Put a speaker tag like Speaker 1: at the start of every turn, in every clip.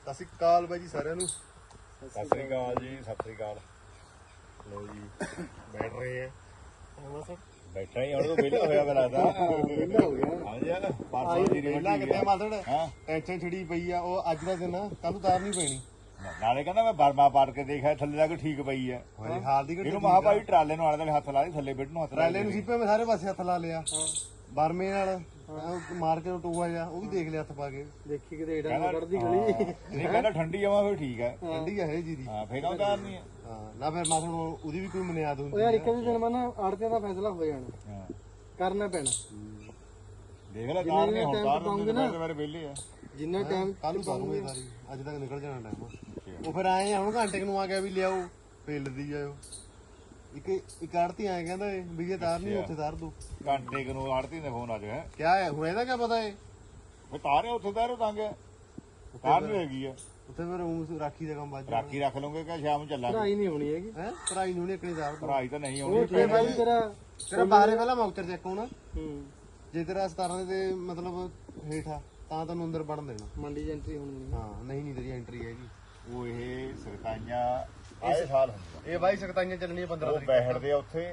Speaker 1: ਸਤਿ ਸ਼੍ਰੀ ਅਕਾਲ ਬਾਈ ਜੀ ਸਾਰਿਆਂ ਨੂੰ।
Speaker 2: ਸਤਿ ਸ੍ਰੀ ਅਕਾਲ ਜੀ, ਸਤਿ ਸ੍ਰੀ ਅਕਾਲ।
Speaker 1: ਲੋ ਜੀ ਬੈਠ ਰਹੇ ਆ ਬਸ
Speaker 2: ਬੈਠਾ ਹੀ ਹੁਣ ਤੋਂ ਵਿਹਲਾ ਹੋਇਆ ਮੈਂ ਲੱਗਦਾ।
Speaker 1: ਵਿਹਲਾ ਹੋ ਗਿਆ।
Speaker 2: ਹਾਂਜੀ ਆ ਪਰਸੋਂ ਦੀ
Speaker 1: ਵਿਹਲਾ ਕਿੱਥੇ ਮਾਸੜ
Speaker 2: ਹਾਂ
Speaker 1: ਟੈਨਸ਼ਨ ਛਿੜੀ ਪਈ ਆ। ਉਹ ਅੱਜ ਦਾ ਦਿਨ ਆ, ਕੱਲ ਨੂੰ ਤਾਰ ਨਹੀਂ ਪੈਣੀ।
Speaker 2: ਨਾਲੇ ਕਹਿੰਦਾ ਮੈਂ ਬਰਮਾ ਪਾੜ ਕੇ ਦੇਖਿਆ ਥੱਲੇ ਤੱਕ ਠੀਕ ਪਈ ਹੈ।
Speaker 1: ਹਾਂਜੀ ਹਾਲ ਦੀ
Speaker 2: ਇਹਨੂੰ ਮਹਾ ਭਾਈ ਟਰਾਲੇ ਨੂੰ ਆਲੇ ਹੱਥ ਲਾ ਦੇ, ਥੱਲੇ ਬੈਠ ਨੂੰ ਹੱਥ ਲਾ
Speaker 1: ਟਰਾਲੇ ਨੂੰ ਸੀਪੇ ਮੈਂ ਸਾਰੇ ਪਾਸੇ ਹੱਥ ਲਾ ਲਿਆ। ਬਰਮੇ ਨਾਲ ਮਾਰ ਕੇ ਟੋਆ ਜਾ ਉਹ ਵੀ ਦੇਖ ਲਿਆ ਹੱਥ ਪਾ ਕੇ।
Speaker 3: ਦੇਖੀ ਕਿਤੇ ਏਡਾ ਨਾ ਕੱਢਦੀ ਗਲੀ।
Speaker 2: ਨਹੀਂ ਕਹਿੰਦਾ ਠੰਡੀ ਆਵਾਂ ਫਿਰ ਠੀਕ ਹੈ।
Speaker 1: ਠੰਡੀ ਆ ਇਹ ਜੀ ਦੀ।
Speaker 2: ਹਾਂ ਫੇਰ ਉਹ ਤਾਰ ਨਹੀਂ ਹੈ।
Speaker 1: ਹਾਂ ਨਾ ਫਿਰ ਮਾਸੜ ਉਹਦੀ ਵੀ ਕੋਈ ਬੁਨਿਆਦ ਹੁੰਦੀ
Speaker 3: ਉਹ ਯਾਰ ਇੱਕ ਵੀ ਦਿਨ ਮੈਂ ਨਾ ਆੜਤਿਆਂ ਦਾ ਫੈਸਲਾ ਹੋ ਜਾਣਾ,
Speaker 2: ਹਾਂ
Speaker 3: ਕਰਨਾ ਪੈਣਾ।
Speaker 2: ਦੇਖ ਲੈ ਤਾਰ ਨਹੀਂ ਹੁਣ ਤਾਰ ਦਿੰਦੇ ਨੇ ਮੇਰੇ ਵਿਹਲੇ ਆ।
Speaker 3: ਜਿੰਨਾ ਟਾਈਮ
Speaker 1: ਕੱਲ ਨੂੰ ਪਾਉਂਗੇ ਸਾਰੀ ਅੱਜ ਤੱਕ ਨਿਕਲ ਜਾਣਾ ਟਾਈਮ। ਉਹ ਫਿਰ ਆਏ ਆ ਹੁਣ ਘੰਟੇ ਨੂੰ ਆ ਗਿਆ ਵੀ ਲਿਆਓ ਫੇਲਦੀ ਜਾਇਓ। ਇੱਕ ਆੜਤੀ ਆਏ ਕਹਿੰਦਾ ਵੀ ਜੇ ਤਾਰ ਨਹੀਂ ਉੱਥੇ ਤਾਰ ਦੋ।
Speaker 2: ਘੰਟੇ ਕੁ ਨੂੰ ਆੜਤੀ ਨੇ ਫੋਨ ਆ ਜਾਏ
Speaker 1: ਕਿਆ ਹੈ ਹੁਣ ਇਹਦਾ ਕਿਆ ਪਤਾ ਹੈ।
Speaker 2: ਫਿਰ ਤਾਰੇ ਉੱਥੇ ਤਾਰੋ ਤੰਗ ਤਾਰ ਨਹੀਂ ਹੈਗੀ ਆ।
Speaker 1: ਉੱਥੇ ਫਿਰ ਊਂ ਰਾਖੀ ਦਾ ਕੰਮ ਬਾਜ
Speaker 2: ਰਾਖੀ ਰੱਖ ਲਓਗੇ ਕਿ ਸ਼ਾਮ ਨੂੰ ਚੱਲਾਂਗੇ।
Speaker 3: ਪੜਾਈ ਨਹੀਂ ਹੋਣੀ ਹੈਗੀ।
Speaker 1: ਹੈ ਭਰਾਈ ਨੂੰ ਨਹੀਂ ਤਾਰ ਦੋ।
Speaker 2: ਭਰਾਈ ਤਾਂ ਨਹੀਂ
Speaker 3: ਉਹ
Speaker 2: ਆਉਣੀ।
Speaker 3: ਤੇ ਬਾਈ
Speaker 1: ਤੇਰਾ ਬਾਹਰੇ ਪਹਿਲਾਂ ਮੌਕਰ ਚੈੱਕ ਹੋਣਾ।
Speaker 3: ਹੂੰ
Speaker 1: ਜੇ ਤੇਰਾ 17 ਦੇ ਮਤਲਬ ਹੇਠਾ ਤਾਂ ਤੈਨੂੰ ਅੰਦਰ ਵੜਨ ਦੇਣਾ।
Speaker 3: ਮੰਡੀ ਚ ਐਂਟਰੀ ਹੋਣੀ ਨਹੀਂ।
Speaker 1: ਹਾਂ ਨਹੀਂ ਤੇਰੀ ਐਂਟਰੀ ਹੈਗੀ।
Speaker 2: ਉਹ ਇਹ ਸਰਕਾਈਆਂ ਆਏ ਸਾਲ ਹੁੰਦਾ।
Speaker 1: ਇਹ ਬਾਈ ਸਕਤਾਈਆਂ ਚੱਲਣੀਆਂ 15
Speaker 2: ਉਹ
Speaker 1: ਤਰੀਕ
Speaker 2: ਬੈਠਦੇ ਆ ਉੱਥੇ।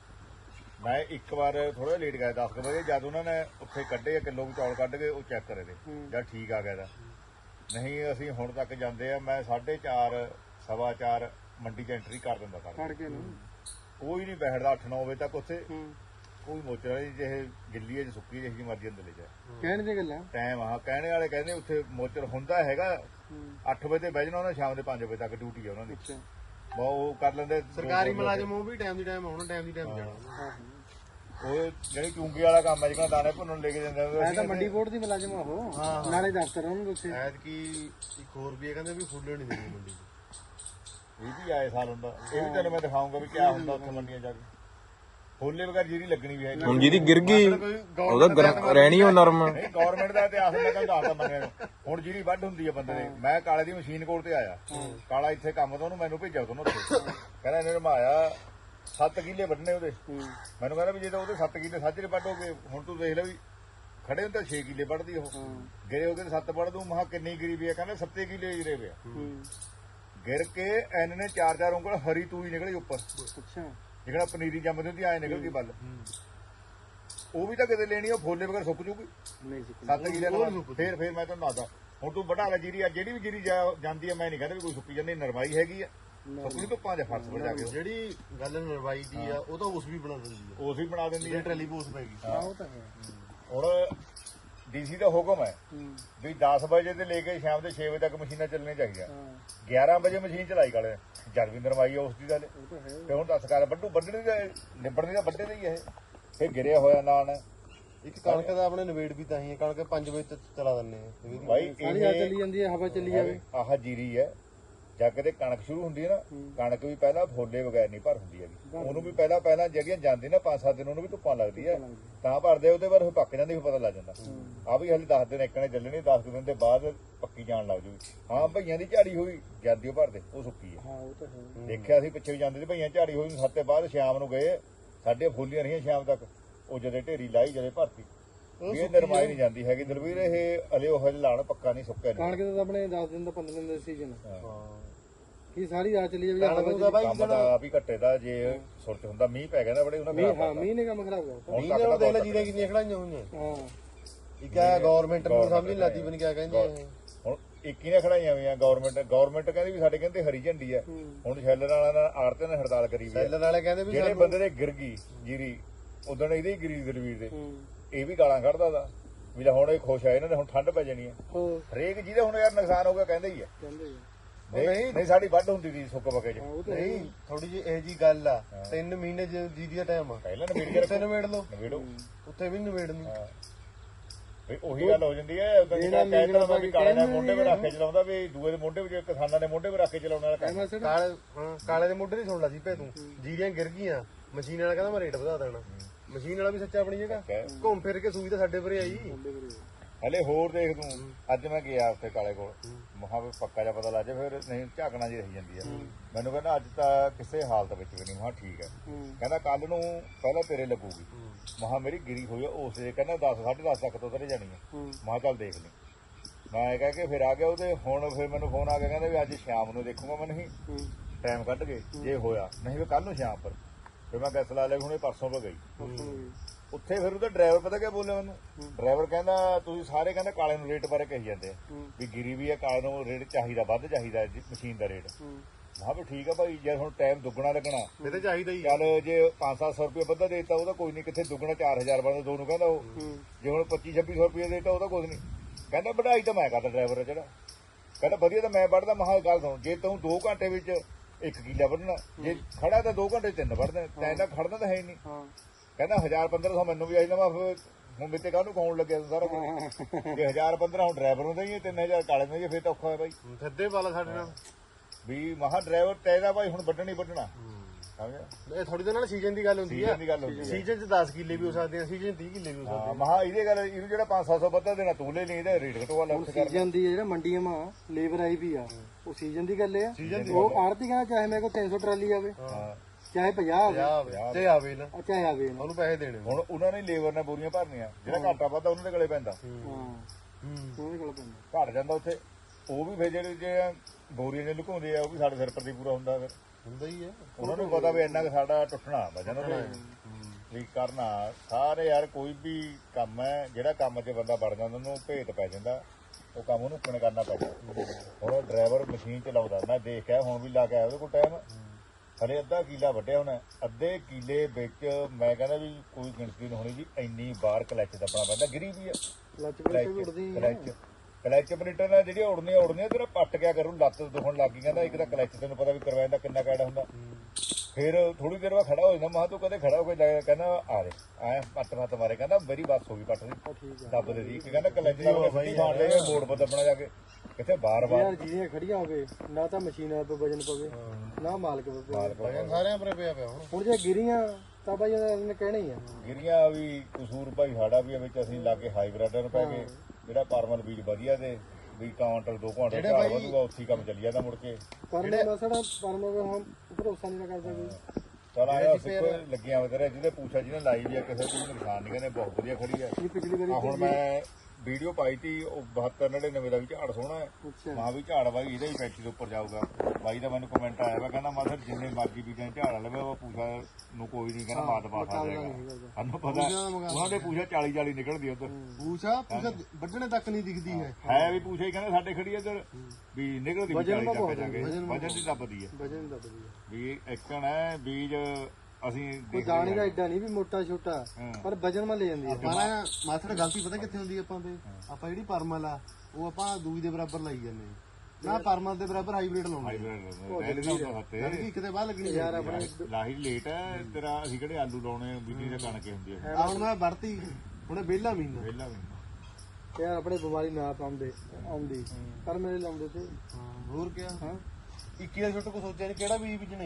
Speaker 2: ਮੈਂ ਇੱਕ ਵਾਰ ਥੋੜਾ ਲੇਟ ਗਿਆ 10 ਵਜੇ, ਜਦ ਉਹਨਾਂ ਨੇ ਉੱਥੇ ਕੱਢੇ ਕਿਲੋ ਚੌਲ ਕੱਢ ਕੇ ਉਹ ਚੈੱਕ ਕਰੇ ਤੇ ਜਦ ਠੀਕ ਆ ਗਿਆ ਦਾ। ਨਹੀਂ ਅਸੀਂ ਹੁਣ ਤੱਕ ਜਾਂਦੇ ਆ, ਮੈਂ 4:30 ਸਵਾ 4 ਮੰਡੀ 'ਚ ਐਂਟਰੀ ਕਰ ਦਿੰਦਾ
Speaker 3: ਫੜ ਕੇ ਨਾ
Speaker 2: ਕੋਈ ਨਹੀਂ ਬੈਠਦਾ 8-9 ਵਜੇ ਤੱਕ ਉੱਥੇ। ਕੋਈ ਮੋਚਰ ਨਹੀਂ, ਜਿਹੇ ਗਿੱਲੀ ਹੈ ਜੇ ਸੁੱਕੀ ਜਿਹੀ ਮਰਜ਼ੀ ਅੰਦਰ ਲੈ ਜਾ।
Speaker 3: ਕਹਿਣ ਦੀ ਗੱਲਾਂ
Speaker 2: ਟਾਈਮ ਆ ਕਹਿਣੇ ਵਾਲੇ ਕਹਿੰਦੇ ਉੱਥੇ ਮੋਚਰ ਹੁੰਦਾ ਹੈਗਾ 8 ਵਜੇ ਤੇ ਬਹਿ ਜਾਣਾ ਉਹਨਾਂ, ਸ਼ਾਮ ਦੇ 5 ਵਜੇ ਤੱਕ ਡਿਊਟੀ ਆ ਉਹਨਾਂ ਦੀ।
Speaker 3: ਅੱਛਾ
Speaker 2: ਉਹ ਕਰ ਲੈਂਦੇ
Speaker 1: ਸਰਕਾਰੀ ਮੁਲਾਜ਼ਮ ਉਹ ਵੀ ਟਾਈਮ ਦੀ ਟਾਈਮ ਆਉਣਾ, ਟਾਈਮ ਦੀ ਟਾਈਮ ਜਾਣਾ।
Speaker 2: ਉਹ ਜਿਹੜੀ ਚੂੰਗੀ ਵਾਲਾ ਕੰਮ ਹੈ ਜਿਹੜਾ ਦਾਣੇ ਭੁੰਨਣ ਲੈ ਕੇ ਜਾਂਦੇ
Speaker 3: ਮੈਂ ਤਾਂ ਮੰਡੀ ਬੋਰਡ ਦੀ ਮੁਲਾਜ਼ਮ ਆ ਉਹ। ਨਾਲੇ ਦਫ਼ਤਰ ਉਹਨੂੰ ਉੱਥੇ
Speaker 1: ਐਤਕੀ ਇੱਕ ਹੋਰ ਵੀ ਇਹ ਕਹਿੰਦੇ ਵੀ ਫੁੱਲੇ ਨਹੀਂ ਦੇਣੀ ਮੰਡੀ 'ਚ।
Speaker 2: ਇਹ ਵੀ ਆਏ ਸਾਲ ਹੁੰਦਾ। ਇਹ ਵੀ ਤੈਨੂੰ ਮੈਂ ਦਿਖਾਉਂਗਾ ਵੀ ਕਿਆ ਹੁੰਦਾ ਉੱਥੇ ਮੰਡੀਆਂ ਜਾ ਕੇ। ਫੁੱਲੇ ਵਗੈਰ ਜਿਹੜੀ ਲੱਗਣੀ ਵੀ ਹੈ
Speaker 4: ਹੁਣ ਜਿਹਦੀ ਗਿਰ ਗਈ ਉਹਦਾ ਰਹਿਣੀ ਉਹ ਨਰਮ।
Speaker 2: ਨਹੀਂ ਗਵਰਨਮੈਂਟ ਦਾ ਇਤਿਹਾਸ ਮੈਂ ਤੁਹਾਨੂੰ ਦੱਸਦਾ ਮੰਨਿਆ ਨੂੰ। ਹੁਣ ਜਿਹੜੀ ਵੱਢ ਹੁੰਦੀ ਹੈ ਬੰਦੇ ਦੇ, ਮੈਂ ਕਾਲੇ ਦੀ ਮਸ਼ੀਨ ਕੋਲ ਤੇ ਆਇਆ। ਕਾਲਾ ਇੱਥੇ ਕੰਮ ਤੋਂ ਉਹਨੂੰ ਮੈਨੂੰ ਭੇਜਿਆ ਤੁਹਾਨੂੰ ਉੱਥੇ। ਕਹਿੰਦਾ ਇਹਨੇ ਰਮਾਇਆ 7 ਕਿੱਲੇ ਵੱਢਣੇ ਉਹਦੇ। ਮੈਨੂੰ ਕਹਿੰਦਾ ਵੀ ਜੇ ਤਾਂ ਉਹਦੇ 7 ਕਿੱਲੇ ਸਾਜਰੇ ਵੱਢੋਗੇ, ਹੁਣ ਤੂੰ ਦੇਖ ਲੈ ਵੀ ਖੜੇ ਹੁੰਦੇ 6 ਕਿੱਲੇ ਵੱਢਦੀ ਉਹ। ਗਿਰੇ ਉਹਦੇ 7 ਵੱਢ ਦੂੰ। ਮਹਾ ਕਿੰਨੀ ਗਰੀਬੀ ਆ, ਕਹਿੰਦਾ 7 ਕਿੱਲੇ ਗਿਰੇ ਪਿਆ। ਗਿਰ ਕੇ ਐਨ ਨੇ 4-4 ਉਂਗਲ ਹਰੀ ਤੂੜੀ ਨਿਕਲੀ ਉੱਪਰ।
Speaker 3: ਅੱਛਾ
Speaker 2: ਜਿਹੜਾ ਪਨੀਰੀ ਜੰਮਦੀ ਹੁੰਦੀ ਐ ਨਿਕਲ ਗਈ ਬੱਲ। ਉਹ ਵੀ ਤਾਂ ਕਿਤੇ ਲੈਣੀ, ਉਹ ਫੋਲੇ ਵਗੈਰ ਸੁੱਕ ਜੂਗੀ।
Speaker 3: ਨਹੀਂ
Speaker 2: 7 ਕਿੱਲੇ ਨਾਲ ਫੇਰ ਮੈਂ ਤੁਹਾਨੂੰ ਦੱਸਦਾ। ਹੁਣ ਤੂੰ ਵੱਢਾ ਲੈ ਜੀਰੀ ਆ, ਜਿਹੜੀ ਵੀ ਜੀਰੀ ਜਾਂਦੀ ਆ, ਮੈਂ ਨਹੀਂ ਕਹਿੰਦਾ ਵੀ ਕੋਈ ਸੁੱਕੀ ਜਾਂਦੀ, ਨਰਮਾਈ ਹੈਗੀ ਆ। ਸੁੱਕਣੀ ਧੁੱਪਾਂ ਦੇ ਫਰਸ਼ ਪਰ ਜਾ ਕੇ
Speaker 1: ਜਿਹੜੀ ਗੱਲ ਨਰਵਾਈ ਦੀ ਆ ਉਹ ਤਾਂ ਉਸ ਵੀ ਬਣਾ ਦਿੰਦੀ ਆ।
Speaker 2: ਉਸ ਵੀ ਬਣਾ ਦਿੰਦੀ
Speaker 1: ਜੇ
Speaker 2: ਹੈ।
Speaker 1: ਟਰਾਲੀ ਪੋਸ ਪੈਗੀ
Speaker 3: ਉਹ ਤਾਂ ਹੈ।
Speaker 2: ਹੁਣ ਡੀਸੀ ਦਾ ਹੁਕਮ ਹੈ ਵੀ 10 ਵਜੇ ਤੋਂ ਲੈ ਕੇ ਸ਼ਾਮ ਦੇ 6 ਵਜੇ ਤੱਕ ਮਸ਼ੀਨਾਂ ਚੱਲਣੀਆਂ ਚਾਹੀਦੀਆਂ। 11 ਵਜੇ ਮਸ਼ੀਨ ਚਲਾਈ ਕਾਲੇ ਜਦ ਵੀ ਨਰਮਾਈ ਆ ਉਸ ਦੀ ਗੱਲ। ਤੇ ਹੁਣ ਦੱਸ ਕਰ ਵੱਢਣੀ ਦਾ ਨਿਬੜਨੀ ਦਾ ਵੱਢੇ ਨਹੀਂ ਇਹ। ਇਹ ਗਿਰਿਆ ਹੋਇਆ ਨਾਲ
Speaker 1: ਇੱਕ ਕਣਕ ਦਾ ਆਪਣੇ ਨਵੇੜ ਵੀ ਤਾਂ ਹੀ ਹੈ। ਕਣਕ 5 ਵਜੇ ਤੱਕ ਚਲਾ ਦਿੰਦੇ ਆ
Speaker 2: ਭਾਈ।
Speaker 3: ਸਾਰੀ ਆ ਚੱਲੀ ਜਾਂਦੀ ਹੈ, ਹਵਾ ਚੱਲੀ ਜਾਵੇ।
Speaker 2: ਆਹ ਜੀਰੀ ਹੈ ਜਾਂ ਕਿਤੇ ਕਣਕ ਸ਼ੁਰੂ ਹੁੰਦੀ ਹੈ ਨਾ, ਕਣਕ ਵੀ ਪਹਿਲਾਂ ਫੋਲੇ ਵਗੈਰ ਨਹੀਂ ਭਰ ਹੁੰਦੀ ਹੈਗੀ। ਉਹਨੂੰ ਵੀ ਪਹਿਲਾਂ ਜਿਹੜੀਆਂ ਜਾਂਦੀ ਨਾ 5-7 ਦਿਨ ਉਹਨੂੰ ਵੀ ਧੁੱਪਾਂ ਲੱਗਦੀ ਹੈ ਤਾਂ ਭਰਦੇ। ਉਹਦੇ ਬਾਅਦ ਪੱਕ ਜਾਂਦੀ, ਫਿਰ ਪਤਾ ਲੱਗ ਜਾਂਦਾ। ਆ ਵੀ ਹਲੇ 10 ਦਿਨ ਇੱਕ ਨੇ ਚੱਲਣੀ, 10 ਦਿਨ ਦੇ ਬਾਅਦ ਪੱਕੀ ਜਾਣ ਲੱਗ ਜੂਗੀ। ਹਾਂ ਭਈਆਂ ਦੀ ਝਾੜੀ ਹੋਈ ਜਾਂਦੀ ਉਹ ਭਰਦੇ, ਉਹ ਸੁੱਕੀ ਹੈ।
Speaker 3: ਹਾਂ ਉਹ ਤਾਂ ਹੈ।
Speaker 2: ਦੇਖਿਆ ਸੀ ਪਿੱਛੇ ਵੀ ਜਾਂਦੇ ਸੀ ਭਈਆਂ ਝਾੜੀ ਹੋਈ। 7 ਬਾਅਦ ਸ਼ਾਮ ਨੂੰ ਗਏ, ਸਾਡੇ ਫੁੱਲੀਆਂ ਰਹੀਆਂ ਸ਼ਾਮ ਤੱਕ। ਉਹ ਜਦੇ ਢੇਰੀ ਲਾਈ ਜਦੇ ਭਰਤੀ। ਇਹ ਨਰਮਾਈ ਨਹੀਂ ਜਾਂਦੀ ਹੈਗੀ ਦਲਵੀਰ। ਇਹ ਹਲੇ ਉਹ ਲਾਣ ਪੱਕਾ ਨਹੀਂ ਸੁੱਕਿਆ ਨਹੀਂ।
Speaker 3: ਕਣਕ ਦਾ ਆਪਣੇ 10 ਦਿਨ ਦਾ 15 ਦਿਨ ਦਾ ਸੀਜ਼ਨ ਕੀ ਸਾਰੀ ਆ ਚੱਲੀ ਜਾਵੇ।
Speaker 2: ਕੰਮ ਤਾਂ ਆਪ ਹੀ ਘੱਟੇ ਦਾ। ਜੇ ਸੁਰਤ ਹੁੰਦਾ ਮੀਂਹ ਪੈ ਗਿਆ ਨਾ ਬੜੇ ਉਹਨਾਂ
Speaker 3: ਹਾਂ ਮੀਂਹ ਨੇ ਕੰਮ ਖਰਾਬ ਕਰਤਾ।
Speaker 1: ਮੀਂਹ ਨੇ ਦੇਖ ਲੈ ਜੀਰੇ ਕਿੰਨੀਆਂ ਖੜਾਈਆਂ ਹੋਈਆਂ।
Speaker 3: ਹਾਂ
Speaker 1: ਇੱਕ ਆ ਗਵਰਨਮੈਂਟ ਨੂੰ ਸਮਝ ਨਹੀਂ ਲੱਗਦੀ ਬਣ ਕਿਆ ਕਹਿੰਦੇ ਆ।
Speaker 2: ਹੁਣ ਇੱਕ ਹੀ ਨੇ ਖੜਾਈਆਂ ਹੋਈਆਂ ਗਵਰਨਮੈਂਟ ਕਹਿੰਦੀ ਵੀ ਸਾਡੇ ਕਹਿੰਦੇ ਹਰੀ ਝੰਡੀ ਹੈ। ਹੁਣ ਸ਼ੈਲਰ ਵਾਲਾ ਨਾਲ ਆੜਤੇ ਨੇ ਹੜਤਾਲ ਕਰੀ ਵੀ
Speaker 1: ਸੈਲਰ ਵਾਲੇ ਕਹਿੰਦੇ ਵੀ
Speaker 2: ਜਿਹੜੇ ਬੰਦੇ ਦੇ ਗਿਰ ਗਈ ਜੀਰੀ ਉਦੋਂ ਇਹਦੇ ਹੀ ਗਿਰੀ ਦਲਵੀਰ ਦੇ। ਇਹ ਵੀ ਗਾਲਾਂ ਕੱਢਦਾ ਦਾ ਵੀ ਲੈ ਹੁਣ ਇਹ ਖੁਸ਼ ਆ, ਇਹਨਾਂ ਨੇ ਹੁਣ ਠੰਡ ਪੈ ਜਾਣੀ ਹੈ। ਹਰੇਕ ਜਿਹਦੇ ਹੁਣ ਯਾਰ ਨੁਕਸਾਨ ਹੋ ਗਿਆ ਕਹਿੰਦੇ ਹੀ ਆ। ਨਹੀਂ ਸਾਡੀ ਵੱਢ ਹੁੰਦੀ ਸੀ ਸੁੱਕ ਪੱਕੇ ਚ।
Speaker 1: ਨਹੀਂ ਥੋੜੀ ਜਿਹੀ ਇਹ ਜੀ ਗੱਲ ਆ। 3 ਮਹੀਨੇ ਜੀਰੀ ਦਾ ਟਾਈਮ ਆ।
Speaker 2: ਪਹਿਲਾਂ ਨਵੇੜ
Speaker 1: ਲਓ
Speaker 2: ਨਵੇੜੋ
Speaker 1: ਉੱਥੇ ਵੀ ਨਵੇੜਨੀ।
Speaker 2: ਵੀ ਉਹੀ ਗੱਲ ਹੋ ਜਾਂਦੀ ਹੈ। ਉਦੋਂ ਜਿਹੜਾ ਕਹਿੰਦਾ ਮੈਂ ਵੀ ਕਾਲੇ ਨੇ ਮੁੰਡੇ ਵੀ ਰੱਖ ਕੇ ਚਲਾਉਂਦਾ, ਵੀ ਦੂਏ ਦੇ ਮੁੰਡੇ ਵਿੱਚ ਕਿਸਾਨਾਂ ਦੇ ਮੁੰਡੇ ਵੀ ਰੱਖ ਕੇ ਚਲਾਉਣ ਵਾਲਾ ਕੰਮ।
Speaker 1: ਕਾਲੇ ਦੇ ਮੁੰਡੇ ਨਹੀਂ ਸੁਣ ਲਾ ਸੀ ਭੇ ਤੂੰ। ਜੀਰੀਆਂ ਗਿਰ ਗਈਆਂ, ਮਸ਼ੀਨ ਵਾਲਾ ਕਹਿੰਦਾ ਮੈਂ ਰੇਟ ਵਧਾ ਦੇਣਾ। ਮਸ਼ੀਨ ਵਾਲਾ ਵੀ ਸੱਚਾ ਆਪਣੀ ਜਗ੍ਹਾ। ਘੁੰਮ ਫਿਰ ਕੇ ਸੂਈ ਤਾਂ ਸਾਡੇ ਪਰੇ ਆਈ।
Speaker 2: ਹਲੇ ਹੋਰ ਦੇਖ ਤੂੰ। ਅੱਜ ਮੈਂ ਗਿਆ ਉੱਥੇ ਕਾਲੇ ਕੋਲ, ਮਹਾ ਵੀ ਪੱਕਾ ਜਿਹਾ ਪਤਾ ਲੱਗ ਜਾ, ਫਿਰ ਨਹੀਂ ਝਾਕਣਾ ਜੀ ਰਹੀ ਜਾਂਦੀ ਹੈ। ਮੈਨੂੰ ਕਹਿੰਦਾ ਅੱਜ ਤਾਂ ਕਿਸੇ ਹਾਲਤ ਵਿੱਚ ਵੀ ਨਹੀਂ। ਮਹਾ ਠੀਕ ਹੈ। ਕਹਿੰਦਾ ਕੱਲ ਨੂੰ ਪਹਿਲਾਂ ਤੇਰੇ ਲੱਗੂਗੀ। ਮਹਾ ਮੇਰੀ ਗਿਰੀ ਹੋਈ ਆ ਉਸੇ ਕਹਿੰਦਾ 10 10:30 ਤੱਕ ਤੋਂ ਉਤਰ ਜਾਣੀ ਹੈ। ਮਹਾ ਚੱਲ ਦੇਖ ਲਈ। ਮੈਂ ਕਹਿ ਕੇ ਫਿਰ ਆ ਗਿਆ ਉਹਦੇ। ਹੁਣ ਫਿਰ ਮੈਨੂੰ ਫੋਨ ਆ ਗਿਆ, ਕਹਿੰਦਾ ਵੀ ਅੱਜ ਸ਼ਾਮ ਨੂੰ ਦੇਖੂਗਾ ਮੈਂ, ਨਹੀਂ ਟਾਈਮ ਕੱਢ ਕੇ ਜੇ ਹੋਇਆ, ਨਹੀਂ ਵੀ ਕੱਲ ਨੂੰ ਸ਼ਾਮ ਪਰ। ਫਿਰ ਮੈਂ ਗੈਸ ਲਾ ਲਿਆ, ਹੁਣ ਇਹ ਪਰਸੋਂ ਤੋਂ ਗਈ ਉੱਥੇ। ਫਿਰ ਉਹਦਾ ਡਰਾਈਵਰ ਪਤਾ ਕਿਆ ਬੋਲਿਆ ਮੈਨੂੰ, ਡਰਾਈਵਰ ਕਹਿੰਦਾ ਤੁਸੀਂ ਸਾਰੇ ਕਹਿੰਦਾ ਕਾਲੇ ਨੂੰ ਰੇਟ ਬਾਰੇ ਕਹੀ ਜਾਂਦੇ ਆ ਵੀ ਗਿਰੀ ਵੀ ਆ, ਕਾਲੇ ਨੂੰ ਰੇਟ ਚਾਹੀਦਾ, ਵੱਧ ਚਾਹੀਦਾ ਮਸ਼ੀਨ ਦਾ ਰੇਟ। ਮੈਂ ਵੀ ਠੀਕ ਆ ਭਾਈ, ਜੇ ਹੁਣ ਟਾਈਮ ਦੁੱਗਣਾ ਲੱਗਣਾ
Speaker 1: ਇਹ ਤਾਂ ਚਾਹੀਦਾ ਹੀ।
Speaker 2: ਚੱਲ ਜੇ 500-700 ਰੁਪਏ ਵੱਧਾ ਦੇਤਾ ਉਹਦਾ ਕੋਈ ਨਹੀਂ, ਕਿੱਥੇ ਦੁੱਗਣਾ 4000 ਬਣਦਾ ਦੋ ਨੂੰ ਕਹਿੰਦਾ ਉਹ। ਜੇ ਹੁਣ 2500-2600 ਰੁਪਏ ਦੇਤਾ ਉਹਦਾ ਕੁਝ ਨਹੀਂ। ਕਹਿੰਦਾ ਵਧਾਈ ਤਾਂ ਮੈਂ ਕਰਦਾ ਡਰਾਈਵਰ ਜਿਹੜਾ, ਕਹਿੰਦਾ ਵਧੀਆ ਤਾਂ ਮੈਂ ਵੱਢਦਾ। ਮਹਾ ਗੱਲ ਸੁਣ, ਜੇ ਤੂੰ 2 ਘੰਟੇ ਵਿੱਚ 1 ਕਿੱਲਾ ਵੱਢਣਾ, ਜੇ ਖੜਾ ਤਾਂ 2 ਘੰਟੇ 3 ਵੱਢਦੇ, ਤੈਂ ਤਾਂ ਖੜਨਾ ਤਾਂ ਹੈ ਹੀ ਨਹੀਂ। ਕਹਿੰਦਾ 1000-1500 ਮੈਨੂੰ ਵੀ ਆਈ ਨਾ, ਮੈਂ ਹੁਣ ਮੇਤੇ ਕਾਹਨੂੰ ਕੌਣ ਲੱਗਿਆ ਸਾਰਾ ਕੁਝ। ਜੇ 1000-1500 ਹੁਣ ਡਰਾਈਵਰ ਨੂੰ ਦਈਏ, 3000 ਕਾਲੇ ਨੂੰ ਦਈਏ, ਫਿਰ ਤਾਂ ਔਖਾ ਹੈ ਬਾਈ।
Speaker 1: ਥੱਦੇ ਵਾਲਾ ਸਾਡੇ ਨਾਲ
Speaker 2: ਵੀ ਮਹਾ ਡਰਾਈਵਰ ਤੈਦਾ ਭਾਈ ਹੁਣ ਵੱਢਣਾ ਹੀ ਵੱਢਣਾ,
Speaker 1: ਇਹ ਥੋੜੀ ਤਾਂ ਨਾਲ ਸੀਜ਼ਨ ਦੀ ਗੱਲ ਹੁੰਦੀ ਹੈ।
Speaker 2: ਸੀਜ਼ਨ ਦੀ ਗੱਲ ਹੁੰਦੀ ਹੈ।
Speaker 1: ਸੀਜ਼ਨ 'ਚ 10 ਕਿੱਲੇ ਵੀ ਹੋ ਸਕਦੇ ਆ, ਸੀਜ਼ਨ 30 ਕਿੱਲੇ ਵੀ ਹੋ ਸਕਦੇ
Speaker 2: ਹਾਂ ਮਹਾ ਇਹਦੇ ਗੱਲ, ਇਹਨੂੰ ਜਿਹੜਾ 500-700 ਵੱਧਾ ਦੇਣਾ ਤੂੰ ਲੈ ਲਈ, ਇਹਦਾ ਰੇਟ ਘਟਵਾ ਲੱਗ ਕਰ।
Speaker 3: ਸੀਜ਼ਨ ਦੀ ਜਿਹੜਾ ਮੰਡੀਆਂ ਮਾ ਲੇਬਰ ਆਈ ਵੀ ਆ, ਉਹ ਸੀਜ਼ਨ ਦੀ ਗੱਲ ਆ। ਉਹ ਆੜਤੀ ਕਹਿੰਦਾ ਚਾਹੇ ਮੇਰੇ ਕੋਲ 300 ਟਰਾਲੀ ਆਵੇ, ਚਾਹੇ 50 ਆਵੇ,
Speaker 1: ਤੇ ਆਵੇ ਨਾ,
Speaker 3: ਚਾਹੇ ਆਵੇ ਨਾ,
Speaker 1: ਉਹਨੂੰ ਪੈਸੇ ਦੇਣੇ।
Speaker 2: ਹੁਣ ਉਹਨਾਂ ਨੇ ਲੇਬਰ ਨੇ ਬੋਰੀਆਂ ਭਰਨੀਆਂ, ਜਿਹੜਾ ਘਾਟਾ ਵੱਧਦਾ ਉਹਨਾਂ ਦੇ ਗਲੇ ਪੈਂਦਾ,
Speaker 3: ਉਹਦੇ ਕੋਲ ਪੈਂਦਾ
Speaker 2: ਘਟ ਜਾਂਦਾ ਉੱਥੇ। ਉਹ ਵੀ ਫਿਰ ਜਿਹੜੇ ਜੇ ਬੋਰੀਆਂ ਨੇ ਲੁਕਾਉਂਦੇ ਆ, ਉਹ ਵੀ ਸਾਡੇ ਸਿਰ ਪਰ ਦੀ ਪੂਰਾ ਹੁੰਦਾ। ਫਿਰ
Speaker 1: ਹੁੰਦਾ ਹੀ ਹੈ,
Speaker 2: ਉਹਨਾਂ ਨੂੰ ਪਤਾ ਵੀ ਇੰਨਾ ਕੁ ਸਾਡਾ ਟੁੱਟਣਾ ਵਜਨ ਵੀ ਕਰਨਾ ਸਾਰੇ। ਯਾਰ ਕੋਈ ਵੀ ਕੰਮ ਹੈ, ਜਿਹੜਾ ਕੰਮ 'ਚ ਬੰਦਾ ਵੜ ਜਾਂਦਾ ਉਹਨੂੰ ਭੇਤ ਪੈ ਜਾਂਦਾ, ਉਹ ਕੰਮ ਉਹਨੂੰ ਕਿਵੇਂ ਕਰਨਾ ਪੈਂਦਾ। ਹੁਣ ਡਰਾਈਵਰ ਮਸ਼ੀਨ ਚਲਾਉਂਦਾ, ਮੈਂ ਦੇਖਿਆ ਹੁਣ ਵੀ ਲਾ ਕੇ ਆਇਆ ਉਹਦੇ ਕੋਲ ਟਾਈਮ, ਹਲੇ ਅੱਧਾ ਕਿੱਲਾ ਵੱਢਿਆ ਉਹਨੇ। ਅੱਧੇ ਕਿੱਲੇ ਵਿੱਚ ਮੈਂ ਕਹਿੰਦਾ ਵੀ ਕੋਈ ਗਿਣਤੀ ਨਹੀਂ ਹੋਣੀ ਜੀ, ਇੰਨੀ ਬਾਰ ਕਲੱਚ ਦੱਬਣਾ ਪੈਂਦਾ। ਗਿਰੀ ਵੀ ਆ ਕਲੱਚ ਪਲੇਟਾਂ ਨਾਲ ਜਿਹੜੀਆਂ ਉੜਨੀਆਂ ਤੇਰਾ ਪੱਟ ਗਿਆ ਕਰੂ, ਲੱਤ ਦੁਖਣ ਲੱਗ ਗਈ। ਕਹਿੰਦਾ ਇੱਕ ਤਾਂ ਕਲੱਚ ਤੈਨੂੰ ਪਤਾ ਵੀ ਕਰਵਾਇਆ ਦਾ ਕਿੰਨਾ ਕਾੜਾ ਹੁੰਦਾ। ਫਿਰ ਥੋੜੀ ਦੇਰ ਬਾਅਦ ਖੜਾ ਹੋ ਜਾਂਦਾ, ਮਹਾਂ ਤੂੰ ਕਦੇ ਖੜਾ ਹੋ ਕੇ ਜਾਏਗਾ, ਕਹਿੰਦਾ ਆ ਦੇ ਐ ਪੱਟ ਮਾਰੇ, ਕਹਿੰਦਾ ਮੇਰੀ ਬੱਸ ਹੋ ਗਈ ਪੱਟ ਦੀ, ਦੱਬ ਦੇ ਦੀ। ਕਹਿੰਦਾ ਕਲੱਚ ਨਾਲ ਸਹੀ ਖਾਣ ਲੈ ਮੋੜ ਪਰ ਦੱਬਣਾ ਜਾ ਕੇ, ਕਿੱਥੇ ਬਾਰ-ਬਾਰ
Speaker 3: ਯਾਰ ਜਿਹੜੀਆਂ ਖੜੀਆਂ ਹੋਵੇ ਨਾ ਤਾਂ ਮਸ਼ੀਨਾਂ 'ਤੇ ਵਜਨ ਪਵੇ ਨਾ ਮਾਲਕ ਪਵੇ,
Speaker 1: ਵਜਨ ਸਾਰਿਆਂ ਪਰੇ ਪਿਆ ਪਿਆ।
Speaker 3: ਹੁਣ ਜੇ ਗਿਰੀਆਂ ਤਾਂ ਬਾਈ ਉਹਨੇ ਕਹਿਣਾ ਹੀ ਆ।
Speaker 2: ਗਿਰੀਆਂ ਵੀ ਕਸੂਰ ਭਾਈ ਸਾਡਾ ਵੀ ਵਿੱਚ ਅਸੀਂ ਲਾਗੇ ਹਾਈਬ੍ਰਿਡਾਂ ਨੂੰ ਪੈ ਗਏ, ਜਿਹੜਾ ਪਰਮਲ ਬੀਜ ਵਧੀਆ ਤੇ ਵੀ ਕਾਉਂਟਰ 2 ਘੰਟੇ ਝਾੜ ਵਧੂਗਾ, ਉੱਥੇ ਕੰਮ ਚੱਲੀ ਜਾਂਦਾ ਮੁੜ ਕੇ।
Speaker 3: ਪਰ ਮੈਂ ਮਸੜਾ ਪਰਮਲ ਹਮ ਭਰੋਸਾ ਨਹੀਂ ਕਰਦਾ ਕੋਈ।
Speaker 2: ਚਲ ਆਇਆ ਸਿੱਕੋ ਲੱਗਿਆ ਵਾ ਤੇਰੇ, ਜਿਹਦੇ ਪੁੱਛਾ ਜਿਹਨੇ ਲਾਈ ਵੀ ਆ, ਕਿਸੇ ਨੂੰ ਨੁਕਸਾਨ ਨਹੀਂ, ਕਹਿੰਦੇ ਬਹੁਤ ਵਧੀਆ ਖੜੀ ਆ।
Speaker 3: ਪਿਛਲੀ ਵਾਰੀ
Speaker 2: ਹੁਣ ਮੈਂ ਵੀਡੀਓ ਪਾਈ ਤੀ, ਉਹ 72-99 ਦਾ ਵੀ ਝਾੜ ਸੋਹਣਾ ਹੈ। ਮਾਂ ਵੀ ਝਾੜ ਬਾਈ ਇਹਦਾ ਹੀ ਫੈਕਟਰੀ ਦੇ ਉੱਪਰ ਜਾਊਗਾ। ਬਾਈ ਦਾ ਮੈਨੂੰ ਕਮੈਂਟ ਆਇਆ ਵਾ, ਕਹਿੰਦਾ ਮਾਸਰ ਜਿੰਨੇ ਮਰਜ਼ੀ ਬੀਜਾਂ ਝਾੜ ਲਵੇ, ਉਹ ਪੂਛਾ ਨੂੰ ਕੋਈ ਨਹੀਂ ਕਹਿੰਦਾ ਮਾਤ ਪਾ ਸਕਦਾ। ਸਾਨੂੰ ਪਤਾ ਉਹਨਾਂ ਦੇ ਪੂਛਾ 40-40 ਨਿਕਲਦੀ ਉੱਧਰ।
Speaker 1: ਪੂਛਾ ਵੱਢਣੇ ਤੱਕ ਨਹੀਂ ਦਿਖਦੀ
Speaker 2: ਹੈ ਵੀ ਪੂਛਾ ਹੀ ਕਹਿੰਦਾ ਸਾਡੇ ਖੜੀ ਇੱਧਰ ਵੀ ਨਿਕਲਦੀ 40 ਤੱਕ ਜਾ ਕੇ, ਵਜਨ ਦੀ ਦੱਬਦੀ ਹੈ।
Speaker 3: ਵਜਨ ਦੱਬਦੀ ਆ
Speaker 2: ਵੀ ਐਕਣ ਹੈ ਬੀਜ ਅਸੀਂ
Speaker 3: ਕੋਈ ਦਾਣੇ ਦਾ ਐਡਾ ਨਹੀਂ ਵੀ ਮੋਟਾ ਛੋਟਾ, ਪਰ ਵਜਨ ਮਾ ਲੈ ਜਾਂਦੀ ਆ।
Speaker 1: ਮਾਰਾ ਮਾਥੜ ਗਲਤੀ ਪਤਾ ਕਿੱਥੇ ਹੁੰਦੀ ਆਪਾਂ ਤੇ, ਆਪਾਂ ਜਿਹੜੀ ਪਰਮਲ ਆ ਉਹ ਆਪਾਂ ਦੂਈ ਦੇ ਬਰਾਬਰ ਲਾਈ ਜਾਂਦੇ ਨਾ, ਪਰਮਲ ਦੇ ਬਰਾਬਰ ਹਾਈਬ੍ਰਿਡ ਲਾਉਣਾ। ਯਾਨੀ ਕਿ ਕਿਤੇ ਬਾਹਰ ਲੱਗਣੀ ਯਾਰ ਆਪਣੇ
Speaker 2: ਲਾਹੀ ਲੇਟ ਹੈ ਤੇਰਾ। ਅਸੀਂ ਕਿਹੜੇ ਆਲੂ ਲਾਉਣੇ, ਬੀਜੀ ਦੇ ਕਣਕੇ ਹੁੰਦੀ ਹੈ।
Speaker 1: ਹੁਣ ਮੈਂ ਵਰਤੀ, ਹੁਣ ਵਿਹਲਾ ਮਹੀਨਾ
Speaker 2: ਵਿਹਲਾ ਵੀ
Speaker 3: ਯਾਰ ਆਪਣੇ ਬਿਮਾਰੀ ਨਾ ਪਾਉਂਦੇ ਆਉਂਦੀ, ਪਰ ਮੇਰੇ ਲਾਉਂਦੇ ਤੇ
Speaker 1: ਹੋਰ ਕਿਆ।
Speaker 3: ਹਾਂ
Speaker 1: 21 ਦਾ ਛੋਟਾ ਕੋ ਸੋਚਿਆ ਨੀ ਕਿਹੜਾ ਬੀਜ ਬੀਜਣਾ,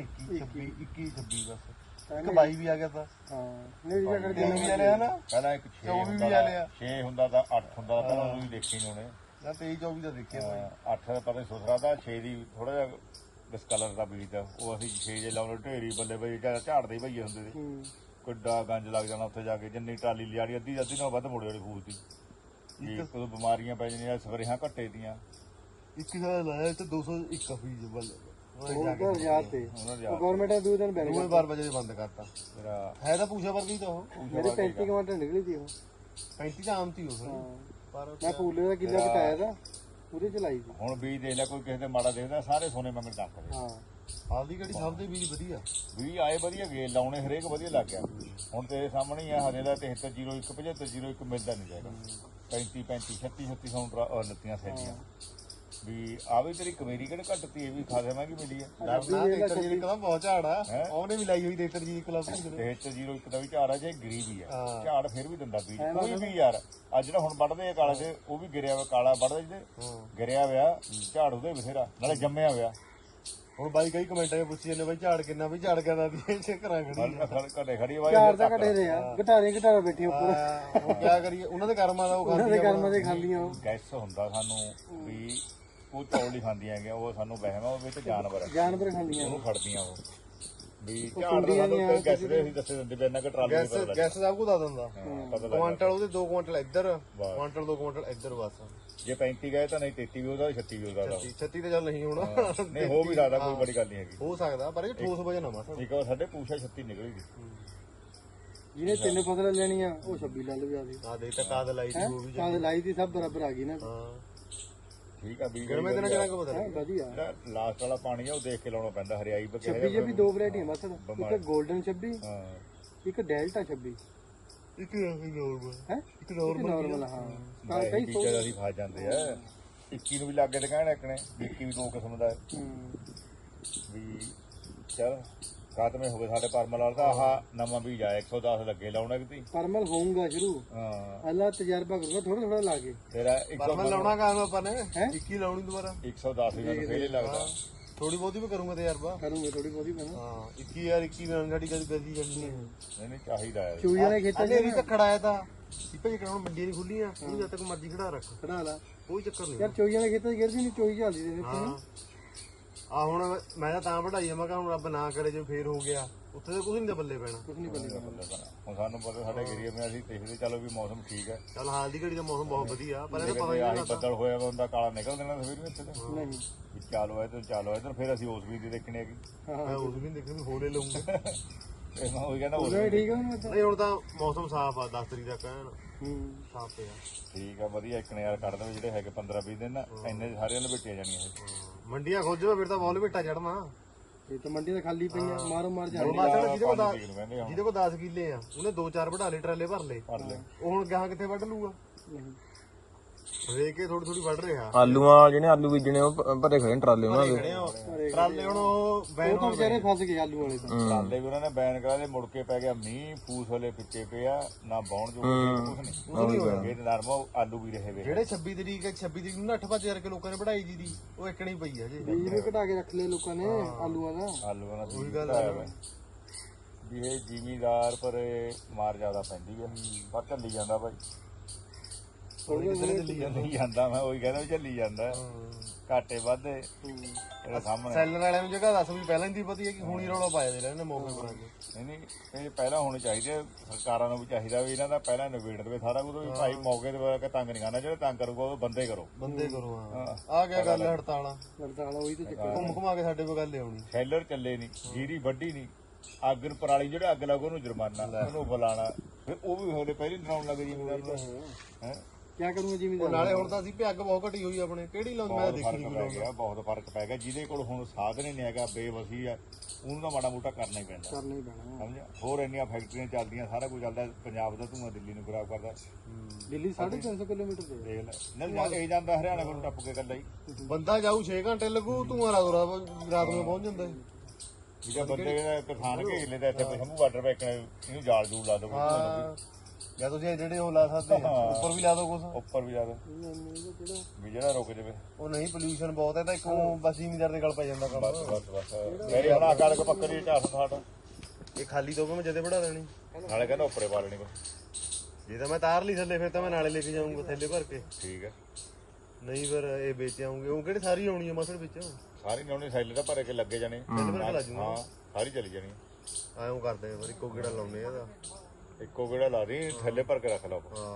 Speaker 1: 21 ਬਸ। ਇੱਕ 22 ਵੀ ਆ ਗਿਆ ਤਾਂ
Speaker 3: ਨਹੀਂ ਜਿਹੜਾ ਕਰ
Speaker 1: ਤਿੰਨ ਵੀ ਆ ਲਿਆ ਨਾ,
Speaker 2: ਪਹਿਲਾਂ ਇੱਕ 6
Speaker 1: 24 ਵੀ ਆ ਲਿਆ,
Speaker 2: 6 ਹੁੰਦਾ ਤਾਂ 8 ਹੁੰਦਾ, ਪਹਿਲਾਂ ਉਹ ਵੀ ਦੇਖੇ ਨਹੀਂ ਹੋਣੇ।
Speaker 1: ਜਾਂ 23-24 ਦਾ ਦੇਖਿਆ ਭਾਈ।
Speaker 2: 8 ਦਾ ਪਤਾ ਸੁਥਰਾ ਦਾ, 6 ਦੀ ਥੋੜਾ ਜਿਹਾ ਡਿਸਕਲਰ ਦਾ ਬੀਜ ਦਾ, ਉਹ ਅਸੀਂ 6 ਜੇ ਲਾਉਣੇ ਢੇਰੀ ਬੱਲੇ ਬਈ ਝਾੜਦੇ ਹੀ ਭਈਏ ਹੁੰਦੇ ਸੀ। ਕਿੱਡਾ ਗੰਜ ਲੱਗ ਜਾਣਾ ਉੱਥੇ ਜਾ ਕੇ, ਜਿੰਨੀ ਟਰਾਲੀ ਲਿਆੜੀ ਅੱਧੀ ਨਾਲ ਵੱਧ ਮੁੜੇ ਵਾਲੀ ਫੂਲ ਦੀ। ਕੋਈ ਬਿਮਾਰੀਆਂ ਪੈ ਜਾਂਦੀਆਂ, ਸਪਰੇਹਾਂ ਘੱਟੇ ਦੀਆਂ।
Speaker 1: 21 ਦਾ ਲਾਇਆ ਤੇ 201 ਬੀਜ ਬੱਲੇ
Speaker 3: ਉਹ ਯਾਦ ਤੇ ਗਵਰਨਮੈਂਟ ਨੇ 2 ਦਿਨ ਬੈਨ
Speaker 1: ਦੂਏ 12 ਵਜੇ ਬੰਦ ਕਰਤਾ।
Speaker 2: ਮੇਰਾ
Speaker 1: ਹੈ ਤਾਂ ਪੂਛਾ ਵਰਗੀ ਤਾਂ ਉਹ,
Speaker 3: ਮੇਰੇ 35 ਕੁਆਂਟਲ ਨਿਕਲੀ ਸੀ ਉਹ।
Speaker 1: 35 ਤਾਂ ਆਮ ਤੀ ਹੋ ਫਿਰ, ਪਰ
Speaker 3: ਮੈਂ ਪੂਲੇ ਦਾ ਕਿੱਲਾ ਘਟਾਇਆ ਤਾਂ ਉਹਦੇ ਚ ਲਾਈ ਸੀ।
Speaker 2: ਹੁਣ ਬੀਜ ਦੇਖ ਲੈ, ਕੋਈ ਕਿਸੇ ਦੇ ਮਾੜਾ ਦੇਖਦਾ, ਸਾਰੇ ਸੋਨੇ ਮੰਗਣ ਟੱਕਦੇ।
Speaker 3: ਹਾਂ
Speaker 1: ਆਪਦੀ ਕਿਹੜੀ ਸਭ ਦੇ ਬੀਜ ਵਧੀਆ,
Speaker 2: ਵੀ ਆਏ ਵਧੀਆ ਗਏ ਲਾਉਣੇ, ਹਰੇਕ ਵਧੀਆ ਲੱਗ ਗਿਆ। ਹੁਣ ਤੇਰੇ ਸਾਹਮਣੇ ਹੀ ਆ, ਹਜੇ ਦਾ 7301 7501 ਮਿਲਦਾ ਨਹੀਂ ਜਾਏਗਾ। 35 36 ਲੱਤੀਆਂ ਸੈਦੀਆਂ ਵੀ ਆ ਵੀ ਤੇਰੀ ਕਮੇਰੀ ਕਿਹੜੇ ਘੱਟਤੀ, ਇਹ ਵੀ ਖਾਸੇ ਮਹਿੰਗੀ ਮਿਲੀ ਹੈ।
Speaker 1: ਡਾਕਟਰ ਜੀ ਕਲਮ ਬਹੁਤ ਝਾੜ ਆ, ਉਹਨੇ ਵੀ ਲਾਈ ਹੋਈ ਡਾਕਟਰ ਜੀ ਕਲਮ।
Speaker 2: 7301 ਦਾ ਵੀ ਝਾੜ ਆ, ਜੇ ਗਰੀਬੀ ਆ ਝਾੜ ਫਿਰ ਵੀ ਦਿੰਦਾ ਬੀਜ ਕੋਈ ਵੀ ਯਾਰ। ਅੱਜ ਜਿਹੜਾ ਹੁਣ ਵੱਢਦੇ ਆ ਕਾਲੇ ਤੇ, ਉਹ ਵੀ ਗਿਰਿਆ ਹੋਇਆ ਕਾਲਾ ਵੱਢਦੇ ਜਿਹਦੇ ਗਿਰਿਆ ਹੋਇਆ ਝਾੜ ਉਹਦੇ ਬਥੇਰਾ, ਨਾਲੇ ਜੰਮਿਆ ਹੋਇਆ।
Speaker 1: ਹੁਣ ਬਾਈ ਕਈ ਕਮੈਂਟਾਂ 'ਚ ਪੁੱਛੀ ਜਾਂਦੇ ਬਾਈ ਝਾੜ ਕਿੰਨਾ, ਵੀ ਝਾੜ ਕਿੰਨਾ ਦੀ ਇਹ ਘਰਾਂ ਖੜੀ
Speaker 2: ਘਟੇ ਖੜੀ ਵਾਈ
Speaker 3: ਚਾਰ ਤਾਂ ਘਟੇ ਦੇ ਆ, ਘਟਾਰਾ ਬੈਠੀ ਉੱਪਰ।
Speaker 1: ਹੁਣ ਕਿਆ ਕਰੀਏ, ਉਹਨਾਂ ਦੇ ਕਰਮਾਂ ਦਾ ਉਹ
Speaker 3: ਉਹਨਾਂ ਦੇ ਕਰਮਾਂ ਦੇ ਖਾਂਦੀਆਂ ਉਹ।
Speaker 2: ਗੈਸ ਹੁੰਦਾ ਸਾਨੂੰ ਵੀ ਉਹ ਚੌਲ ਹੀ ਖਾਂਦੀਆਂ ਹੈਗੀਆਂ, ਉਹ ਸਾਨੂੰ ਵਹਿਮ ਆ, ਉਹ ਵਿੱਚ ਜਾਨਵਰ
Speaker 3: ਖਾਂਦੀਆਂ
Speaker 2: ਉਹਨੂੰ ਫੜਦੀਆਂ ਉਹ ਵੀ ਝਾੜ ਦਾ ਸਾਨੂੰ ਗੈਸ ਦੇ ਅਸੀਂ ਦੱਸੇ ਦਿੰਦੇ ਵੀ ਇੰਨਾ ਕਿ ਟਰਾਲੀ ਨਹੀਂ ਪਤਾ
Speaker 1: ਗੈਸ ਸਭ ਕੁਝ ਦੱਸ ਦਿੰਦਾ।
Speaker 2: ਪਤਾ ਲੱਗ
Speaker 1: ਕੁਆਂਟਲ ਉਹਦੇ 2 ਕੁਆਂਟਲ ਇੱਧਰ, ਕੁਆਂਟਲ 2 ਕੁਆਂਟਲ ਇੱਧਰ ਬਸ।
Speaker 2: ਜੇ 35 ਗਏ ਤਾਂ ਨਹੀਂ 33 ਵੀ ਉਹਦਾ 36 ਵੀ ਉਹਦਾ
Speaker 1: 36 ਤੇ ਚੱਲ ਨਹੀਂ ਹੋਣਾ
Speaker 2: ਨਹੀਂ ਹੋ ਵੀ ਸਕਦਾ ਕੋਈ ਬੜੀ ਗੱਲ ਨਹੀਂ ਹੈਗੀ
Speaker 1: ਹੋ ਸਕਦਾ ਪਰ ਇਹ ਠੋਸ ਵਜਨ ਆ ਮਸਾ
Speaker 2: ਠੀਕ ਆ ਸਾਡੇ ਪੂਛਾ 36 ਨਿਕਲੀ ਸੀ
Speaker 3: ਜਿਹਨੇ 3 ਫਸਲਾਂ ਲੈਣੀਆਂ ਉਹ 26 ਲੈ ਲਵੇ ਆਦੀ
Speaker 1: ਆ ਦੇਖ ਤਾਂ ਕਾਦ ਲਾਈ ਸੀ ਉਹ ਵੀ
Speaker 3: ਕਾਦ ਲਾਈ ਦੀ ਸਭ ਬਰਾਬਰ ਆ ਗਈ ਨਾ
Speaker 1: ਹਾਂ
Speaker 2: ਠੀਕ ਆ ਵੀ
Speaker 1: ਗਰਮੇ ਦਿਨਾਂ ਕਿਹਨਾਂ ਕੋ ਪਤਾ
Speaker 3: ਵਧੀਆ
Speaker 2: ਲਾਸਟ ਵਾਲਾ ਪਾਣੀ ਆ ਉਹ ਦੇਖ ਕੇ ਲਾਉਣਾ ਪੈਂਦਾ ਹਰਿਆਈ ਬਕੇ
Speaker 3: 26 ਜੇ ਵੀ ਦੋ ਵੈਰਾਈਟੀਆਂ ਮਸਲ ਇੱਕ 골ਡਨ 26
Speaker 2: ਹਾਂ
Speaker 3: ਇੱਕ ਡੈਲਟਾ 26
Speaker 1: ਇੱਕ ਨੋਰਮਲ
Speaker 3: ਹੈ ਇੱਕ ਨਾਰਮਲ ਹਾਂ ਤਾਂ ਕਈ
Speaker 2: ਟੀਚਰ ਅਸੀਂ ਫਸ ਜਾਂਦੇ ਆ 21 ਨੂੰ ਵੀ ਲੱਗੇ ਤੇ ਕਹਿਣ ਇੱਕ ਨੇ 21 ਵੀ ਦੋ ਕਿਸਮ ਦਾ ਵੀ ਚਲ ਖਾਤਮੇ ਹੋ ਗਏ ਸਾਡੇ ਪਰਮਲ ਵਾਲਾ ਤਾਂ ਆਹ ਨਵਾਂ ਬੀਜ ਆਇਆ 110 ਲੱਗੇ ਲਾਉਣਾ ਕਿਤੇ
Speaker 3: ਪਰਮਲ ਹੋਊਗਾ ਸ਼ੁਰੂ
Speaker 2: ਹਾਂ
Speaker 3: ਅੱਲਾ ਤਜਰਬਾ ਕਰੂਗਾ ਥੋੜਾ ਥੋੜਾ ਲਾ ਕੇ
Speaker 2: ਤੇਰਾ
Speaker 1: ਪਰਮਲ ਲਾਉਣਾ ਕੰਮ ਆਪਾਂ ਨੇ 21 ਲਾਉਣੀ ਦੁਬਾਰਾ
Speaker 2: 110 ਵੀ ਮੈਨੂੰ ਫੇਲ ਲੱਗਦਾ
Speaker 1: ਥੋੜੀ ਬਹੁਤੀ ਵੀ ਕਰੂੰਗਾ ਤੇ ਯਾਰ
Speaker 3: ਕਰੂੰਗੇ ਥੋੜੀ ਬਹੁਤੀ ਪੈਣਾ
Speaker 1: ਹਾਂ 21 ਯਾਰ 21 ਨਾਲ ਸਾਡੀ ਕਦੀ ਕਦੀ ਜਾਂਦੀ ਹੈ
Speaker 2: ਨਹੀਂ ਚਾਹੀਦਾ ਹੈ
Speaker 3: ਚੂਈਆਂ ਦੇ ਖੇਤਾਂ 'ਚ
Speaker 1: ਵੀ ਤਾਂ ਖੜਾਇਆ ਤਾਂ ਸਿੱਪੇ ਜਿਹੜਾ ਹੁਣ ਮੰਡੀ ਨਹੀਂ ਖੁੱਲੀ ਆ ਉਹ ਜਦ ਤੱਕ ਮਰਜ਼ੀ ਖੜਾ ਰੱਖ
Speaker 3: ਖੜਾ ਲਾ
Speaker 1: ਕੋਈ ਚੱਕਰ ਨਹੀਂ
Speaker 3: ਯਾਰ ਚੋਈਆਂ ਦੇ ਖੇਤਾਂ 'ਚ ਗਿਰਦੀ ਨਹੀਂ ਚੋਈ ਚੱਲਦੀ ਦੇ ਵਿੱਚ
Speaker 1: ਹਾਂ ਆ ਹੁਣ ਮੈਂ ਤਾਂ ਵਧਾਈ ਆ ਮੈਂ ਕਿਹਾ ਹੁਣ ਰੱਬ ਨਾ ਕਰੇ ਜੇ ਫੇਰ ਹੋ ਗਿਆ ਉੱਥੇ ਤਾਂ ਕੁਝ ਨਹੀਂ ਬੱਲੇ ਪੈਣਾ
Speaker 3: ਕੁਝ ਨਹੀਂ ਬੰਦੇ
Speaker 2: ਹੁਣ ਸਾਨੂੰ ਪਤਾ ਸਾਡੇ ਏਰੀਆ ਵਿੱਚ ਅਸੀਂ ਦੇਖਦੇ ਚਲੋ ਵੀ ਮੌਸਮ ਠੀਕ ਹੈ
Speaker 1: ਚੱਲ ਹਾਲ ਦੀ ਘੜੀ ਦਾ ਮੌਸਮ ਬਹੁਤ ਵਧੀਆ ਪਰ ਇਹ ਪਤਾ
Speaker 2: ਆਹੀ ਬੱਦਲ ਹੋਇਆ ਵਾ ਹੁੰਦਾ ਕਾਲਾ ਨਿਕਲ ਦੇਣਾ ਸਵੇਰ ਵਿੱਚ
Speaker 3: ਨਹੀਂ
Speaker 2: ਵੀ ਚਾਲੋ ਇੱਧਰ ਫਿਰ ਅਸੀਂ ਉਸ ਵੀ ਦੀ ਦੇਖਣੀ ਹੈਗੀ
Speaker 1: ਮੈਂ ਉਸ ਵੀ ਦੇਖਣ ਵੀ ਹੋਲੇ ਲਾਉਂਗਾ
Speaker 2: ਇਹ ਮੈਂ ਉਹੀ ਕਹਿੰਦਾ ਉਸ
Speaker 3: ਉਹ ਠੀਕ ਆ ਨਾ
Speaker 1: ਨਹੀਂ ਹੁਣ ਤਾਂ ਮੌਸਮ ਸਾਫ ਆ 10 ਤਰੀਕ ਤੱਕ ਐਨ
Speaker 3: ਹੂੰ
Speaker 1: ਸਾਫ ਪਿਆ
Speaker 2: ਠੀਕ ਆ ਵਧੀਆ ਇੱਕ ਨੇ ਯਾਰ ਕੱਢ ਦੇਵੇ ਜਿਹੜੇ ਹੈਗੇ 15-20 ਦਿਨ ਨਾ ਇੰਨੇ ਸਾਰਿਆਂ ਨੂੰ ਵੇਟੀਆਂ ਜਾਣੀਆਂ ਇਹ
Speaker 1: ਮੰਡੀਆਂ ਖੋਜੋ ਫਿਰ ਤਾਂ ਬਹੁਤ ਵੇਟਾ ਚੜਨਾ
Speaker 3: ਇਹ ਤਾਂ ਮੰਡੀ ਤਾਂ ਖਾਲੀ ਪਈਆਂ ਮਾਰੋ ਮਾਰ ਜਾਂਦੇ
Speaker 1: ਮਾਸੜ ਜਿਹਦੇ ਕੋਲ
Speaker 2: ਪੰਜ ਤਰੀਕ ਨੂੰ ਕਹਿੰਦੇ ਹੁਣ
Speaker 1: ਜਿਹਦੇ ਕੋਲ 10 ਕਿੱਲੇ ਆ ਉਹਨੇ 2-4 ਵਢਾ ਲਏ ਟਰਾਲੇ ਭਰ ਲਏ
Speaker 2: ਭਰ ਲੈ
Speaker 1: ਉਹ ਹੁਣ ਗਾਹਾਂ ਕਿੱਥੇ ਵੱਢ ਲੂਗਾ
Speaker 3: ਨਹੀਂ
Speaker 1: ਵੇਖ ਕੇ ਥੋੜੀ ਥੋੜੀ ਵੱਢ ਰਿਹਾ
Speaker 4: ਆਲੂਆਂ ਜਿਹਨੇ ਆਲੂ ਬੀਜਣੇ ਉਹ ਭਰੇ ਖੜੇ ਨੇ ਟਰਾਲੇ ਉਹਨਾਂ ਦੇ
Speaker 1: ਟਰਾਲੇ ਹੁਣ ਉਹ
Speaker 3: ਉਹ ਤਾਂ ਵਿਚਾਰੇ ਫਸ ਗਏ ਆਲੂ ਵਾਲੇ ਤਾਂ
Speaker 2: ਟਰਾਲੇ ਵੀ ਉਹਨਾਂ ਨੇ ਬੈਨ ਕਰਾ ਦੇ ਮੁੜ ਕੇ ਪੈ ਗਿਆ ਮੀਂਹ ਫੂਸ ਵਾਲੇ ਪਿੱਛੇ ਪਿਆ ਨਾ ਬਾਉਣ ਜੋ ਕੁਝ ਨਹੀਂ ਇਹ ਨਰਮਾ ਆਲੂ ਵੀ ਰਹੇ ਵੇ
Speaker 1: ਜਿਹੜੇ 26 ਤਰੀਕ 26 ਤਰੀਕ ਨੂੰ 8-5 ਕਰਕੇ ਲੋਕਾਂ ਨੇ ਵਢਾਈ ਜੀ ਦੀ ਉਹ ਇੱਕਣੀ ਪਈ ਆ ਜੇ
Speaker 3: ਬੀਜ ਵੀ ਘਟਾ ਕੇ ਰੱਖ ਲਏ ਲੋਕਾਂ ਨੇ ਆਲੂਆਂ ਦਾ
Speaker 2: ਆਲੂਆਂ ਦਾ ਉਹੀ ਗੱਲ ਹੈ ਵੀ ਇਹ ਜ਼ਿਮੀਦਾਰ ਪਰ ਮਾਰ ਜ਼ਿਆਦਾ ਪੈਂਦੀ ਹੈ ਪਰ ਝੱਲੀ ਜਾਂਦਾ ਭਾਈ ਚੱਲੀ ਜਾਂਦਾ ਮੈਂ ਉਹੀ ਕਹਿੰਦਾ ਵੀ ਝੱਲੀ ਜਾਂਦਾ ਘਾਟੇ ਵਾਧੇ ਇਹਦੇ ਸਾਹਮਣੇ
Speaker 1: ਸੈਲਰ ਵਾਲਿਆਂ ਨੂੰ ਜਗ੍ਹਾ ਦੱਸ ਵੀ ਪਹਿਲਾਂ ਹੀ ਦੀ ਪਤੀ ਹੈ ਕਿ ਹੁਣੀ ਰੌਲਾ ਪਾਇਆ ਦੇ ਲੈਣੇ ਮੌਕੇ ਬਣਾ ਕੇ
Speaker 2: ਨਹੀਂ ਇਹ ਪਹਿਲਾਂ ਹੋਣੇ ਚਾਹੀਦੇ ਸਰਕਾਰਾਂ ਨੂੰ ਵੀ ਚਾਹੀਦਾ ਵੀ ਇਹਨਾਂ ਦਾ ਪਹਿਲਾਂ ਨਿਬੇੜ ਦੇਵੇ ਸਾਰਾ ਕੁਝ ਵੀ ਭਾਈ ਮੌਕੇ ਤੇ ਕੇ ਤੰਗ ਨਹੀਂ ਕਰਨਾ ਜਿਹੜੇ ਤੰਗ ਕਰੂਗਾ ਉਹ ਬੰਦੇ ਕਰੋ
Speaker 1: ਬੰਦੇ ਕਰੋ ਹਾਂ ਆ ਗਿਆ ਗੱਲ ਹੜਤਾਲਾਂ
Speaker 3: ਹੜਤਾਲ ਉਹੀ ਤੇ ਚੱਕਰ
Speaker 1: ਘੁੰਮ ਘੁਮਾ ਕੇ ਸਾਡੇ ਕੋਲ ਗੱਲ ਆਉਣੀ
Speaker 2: ਸ਼ੈਲਰ ਚੱਲੇ ਨਹੀਂ ਜੀਰੀ ਵੱਢੀ ਨਹੀਂ ਅੱਗ ਨੂੰ ਪਰਾਲੀ ਜਿਹੜੇ ਅੱਗ ਲੱਗੋ ਉਹਨੂੰ ਜੁਰਮਾਨਾ ਉਹਨੂੰ ਬੁਲਾਣਾ ਫਿਰ ਉਹ ਵੀ ਹੋਲੇ ਪਹਿਲੇ ਡਰਾਉਣ ਲੱਗ ਜਿਵੇਂ ਹੈ
Speaker 3: ਕੀ ਕਰੂੰਗਾ ਜਿਵੇਂ
Speaker 1: ਨਾਲੇ ਹੁਣ ਤਾਂ ਅਸੀਂ ਵੀ ਅੱਗ ਬਹੁਤ ਘਟੀ ਹੋਈ ਆਪਣੇ ਕਿਹੜੀ ਲਾਉਂਦੇ ਮੈਂ ਦੇਖੀ ਨਹੀਂ
Speaker 2: ਪੈ ਗਿਆ ਬਹੁਤ ਫਰਕ ਪੈ ਗਿਆ ਜਿਹਦੇ ਕੋਲ ਹੁਣ ਸਾਧਨ ਹੀ ਨਹੀਂ ਹੈਗਾ ਬੇਵਸੀ ਆ ਉਹਨੂੰ ਤਾਂ ਮਾੜਾ ਮੋਟਾ ਕਰਨਾ ਹੀ ਪੈਂਦਾ
Speaker 3: ਕਰਨਾ ਹੀ ਪੈਣਾ
Speaker 2: ਸਮਝਿਆ ਹੋਰ ਇੰਨੀਆਂ ਫੈਕਟਰੀਆਂ ਚੱਲਦੀਆਂ ਸਾਰਾ ਕੁਝ ਚੱਲਦਾ ਪੰਜਾਬ ਦਾ ਧੂੰਆਂ ਦਿੱਲੀ ਨੂੰ ਖਰਾਬ ਕਰਦਾ
Speaker 3: ਦਿੱਲੀ 350 ਕਿਲੋਮੀਟਰ ਤੇ
Speaker 2: ਦੇਖ ਲੈ ਨਹੀਂ ਇਹ ਜਾਂਦਾ ਹਰਿਆਣਾ ਕੋਲ ਟੱਪ ਕੇ ਕੱਲਾ ਹੀ
Speaker 1: ਬੰਦਾ ਜਾਊ 6 ਘੰਟੇ ਲੱਗੂ ਤੂੰ ਰਾਤ ਨੂੰ ਪਹੁੰਚ ਜਾਂਦਾ
Speaker 2: ਜਿਹੜਾ ਬੰਦੇ ਦਾ ਕਿਸਾਨ ਘੇਰ ਲੈਂਦਾ ਇੱਥੇ ਸ਼ੰਭੂ ਬਾਰਡਰ ਪੈ ਇਹਨੂੰ ਜਾਲ ਜੂਲ ਲਾ ਦੋ
Speaker 1: ਜਾਂ ਤੁਸੀਂ ਜਿਹੜੇ ਉਹ ਲਾ ਸਕਦੇ ਆ ਉੱਪਰ ਵੀ ਲਾ ਦੋ ਕੁਛ
Speaker 2: ਉੱਪਰ ਵੀ ਲਾ ਦੋ ਵੀ ਜਿਹੜਾ ਰੁਕ ਜਾਵੇ
Speaker 1: ਉਹ ਨਹੀਂ ਪੋਲੂਸ਼ਨ ਬਹੁਤ ਹੈ ਤਾਂ ਇੱਕ ਉਹ ਬਸ ਜ਼ਿਮੀਦਾਰ ਦੇ ਗਲ ਪੈ ਜਾਂਦਾ ਕੰਮ
Speaker 2: ਬਸ ਮੇਰੀ ਬਣਾ ਕਣਕ ਪੱਕਰੀ 460
Speaker 1: ਇਹ ਖਾਲੀ ਤੋਂ ਮੈਂ ਜਦੇ ਵੜਾ ਦੇਣੀ
Speaker 2: ਨਾਲੇ ਕਹਿੰਦਾ ਉੱਪਰੇ ਪਾ ਲੈਣੀ
Speaker 1: ਜੇ ਤਾਂ ਮੈਂ ਤਾਰ ਲਈ ਥੱਲੇ ਫਿਰ ਤਾਂ ਮੈਂ ਨਾਲੇ ਲੈ ਕੇ ਜਾਊਂਗਾ ਥੱਲੇ ਭਰ ਕੇ
Speaker 2: ਠੀਕ ਹੈ
Speaker 1: ਨਹੀਂ ਫਿਰ ਇਹ ਵੇਚ ਆਉਂਗੇ ਉਹ ਕਿਹੜੇ ਸਾਰੀ ਆਉਣੀ ਆ ਮਸਲ ਵਿੱਚ
Speaker 2: ਸਾਰੀ ਨਿਆਉਣੀ ਸੈਲੇ ਤਾਂ ਭਰੇ ਕੇ ਲੱਗੇ ਜਾਣੇ ਹਾਂ ਸਾਰੀ ਚਲੀ ਜਾਣੀ
Speaker 1: ਐਂ ਕਰਦੇ ਆ ਫਿਰ ਇੱਕੋ ਗੇੜਾ ਲਾਉਨੇ ਆ ਇਹਦਾ
Speaker 2: ਇੱਕੋ ਗੇੜਾ ਲਾ ਦੀ ਥੱਲੇ ਭਰ ਕੇ ਰੱਖ ਲਓ
Speaker 1: ਹਾਂ